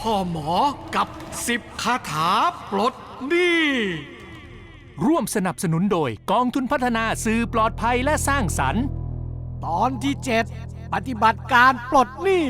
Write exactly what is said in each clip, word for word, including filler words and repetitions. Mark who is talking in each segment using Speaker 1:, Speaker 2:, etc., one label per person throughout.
Speaker 1: พ่อหมอกับสิบคาถาปลดหนี้
Speaker 2: ร่วมสนับสนุนโดยกองทุนพัฒนาสื่อปลอดภัยและสร้างสรรค์
Speaker 1: ตอนที่เจ็ดปฏิบัติการปลดหนี้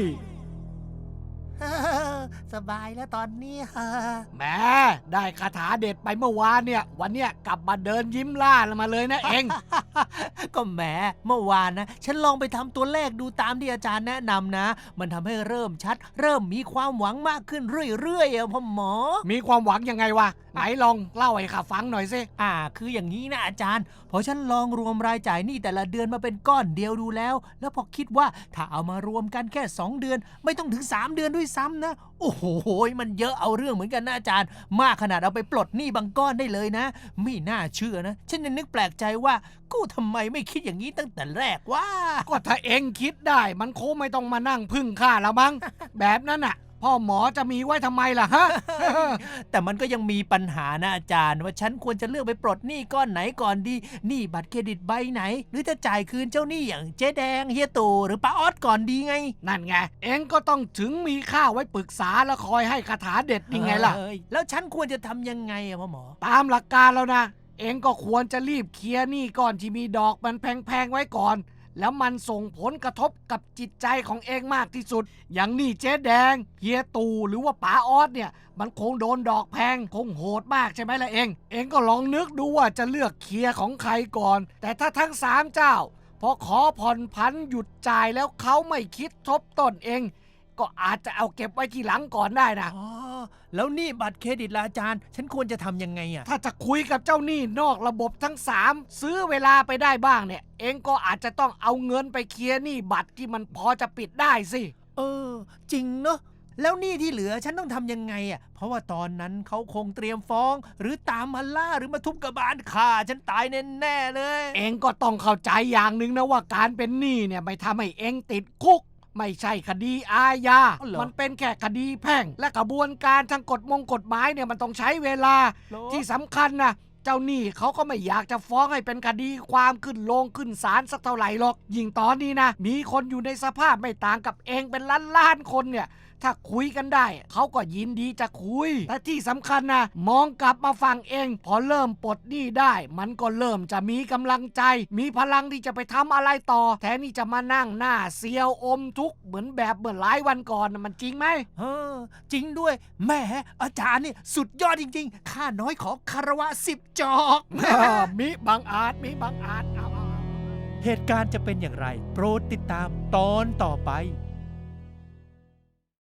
Speaker 3: สบายแล้วตอนนี้ฮะ
Speaker 1: แหมได้คาถาเด็ดไปเมื่อวานเนี่ยวันเนี้ยกลับมาเดินยิ้มล่ามาเลยนะเอง
Speaker 3: ก็แหมเมื่อวานนะฉันลองไปทำตัวเลขดูตามที่อาจารย์แนะนำนะ มันทำให้เริ่มชัด เริ่มมีความหวังมากขึ้นเรื่อยๆอะพ่อหมอ
Speaker 1: มีความหวังยังไงวะไหนลองเล่าให้ข้าฟังหน่อยสิ
Speaker 3: อ่าคืออย่างนี้นะอาจารย์พอฉันลองรวมรายจ่ายหนี้แต่ละเดือนมาเป็นก้อนเดียวดูแล้ว แล้วพอคิดว่าถ้าเอามารวมกันแค่สองเดือนไม่ต้องถึงสามเดือนด้วยซ้ำนะโอ้โหมันเยอะเอาเรื่องเหมือนกันนะอาจารย์มากขนาดเอาไปปลดหนี้บางก้อนได้เลยนะไม่น่าเชื่อนะฉันยังนึกแปลกใจว่ากูทำไมไม่คิดอย่างนี้ตั้งแต่แรกว่า
Speaker 1: ก็ถ้าเองคิดได้มันคงไม่ต้องมานั่งพึ่งข้าแล้วมั้ง แบบนั้นน่ะพ่อหมอจะมีไว้ทำไมล่ะฮะ
Speaker 3: แต่มันก็ยังมีปัญหานะอาจารย์ว่าฉันควรจะเลือกไปปลดหนี้ก้อนไหนก่อนดีหนี้บัตรเครดิตใบไหน หรือจะจ่ายคืนเจ้าหนี้อย่างเจ๊แดงเฮียตู่หรือป้าออสก่อนดีไง
Speaker 1: นั่นไงเองก็ต้องถึงมีข้าไว้ปรึกษาแล้วคอยให้คาถาเด็ดนี่ไงล่ะ
Speaker 3: เอ้ยแล้วฉันควรจะทำยังไงอะพ่อหมอ
Speaker 1: ตามหลักการแล้วนะเองก็ควรจะรีบเคลียร์หนี้ก่อนที่มีดอกมันแพงๆไว้ก่อนแล้วมันส่งผลกระทบกับจิตใจของเองมากที่สุดอย่างหนี้เจ๊แดงเฮียตู่หรือว่าป๋าออสเนี่ยมันคงโดนดอกแพงคงโหดมากใช่ไหมล่ะเองเองก็ลองนึกดูว่าจะเลือกเคลียร์ของใครก่อนแต่ถ้าทั้งสามเจ้าพอขอผ่อนผันหยุดจ่ายแล้วเขาไม่คิดทบต้นเองก็อาจจะเอาเก็บไว้ทีหลังก่อนได้นะ
Speaker 3: อ๋อแล้วหนี้บัตรเครดิตล่ะอาจารย์ ฉันควรจะทำยังไงอะ
Speaker 1: ถ้าจะคุยกับเจ้าหนี้นอกระบบทั้งสามซื้อเวลาไปได้บ้างเนี่ยเองก็อาจจะต้องเอาเงินไปเคลียร์หนี้บัตรที่มันพอจะปิดได้สิ
Speaker 3: เออ จริงเนอะแล้วหนี้ที่เหลือฉันต้องทำยังไงอะเพราะว่าตอนนั้นเขาคงเตรียมฟ้อง หรือตามมาล่าหรือมาทุบกระบาลฆ่าฉันตายแน่ๆเลย
Speaker 1: เองก็ต้องเข้าใจอย่างหนึ่งนะว่าการเป็นหนี้เนี่ยไม่ทำให้เองติดคุกไม่ใช่คดีอาญา
Speaker 3: อ๋อเหรอ
Speaker 1: มันเป็นแค่คดีแพ่งและกระบวนการทางกฎมงกฎหมายเนี่ยมันต้องใช้เวลา
Speaker 3: เหรอ
Speaker 1: ที่สำคัญนะเจ้าหนี้เขาก็ไม่อยากจะฟ้องให้เป็นคดีความขึ้นลงขึ้นศาลสักเท่าไหร่หรอกยิ่งตอนนี้นะมีคนอยู่ในสภาพไม่ต่างกับเองเป็นล้านล้านๆคนเนี่ยถ้าคุยกันได้เขาก็ยินดีจะคุยแต่ที่สำคัญนะมองกลับมาฟังเองพอเริ่มปลดหนี้ได้ มันก็เริ่มจะมีกำลังใจ มีพลังที่จะไปทำอะไรต่อแทนที่จะมานั่งหน้าเซียวอมทุกข์เหมือนแบบเมื่อหลายวันก่อนน่ะมันจริงไหม
Speaker 3: เออจริงด้วยแหม่อาจารย์นี่สุดยอดจริงๆข้าน้อยขอคารวะสิบจอก
Speaker 1: มิบังอาจมิบังอาจเอา
Speaker 3: เหตุการณ์จะเป็นอย่างไร โปรดติดตามตอนต่อไป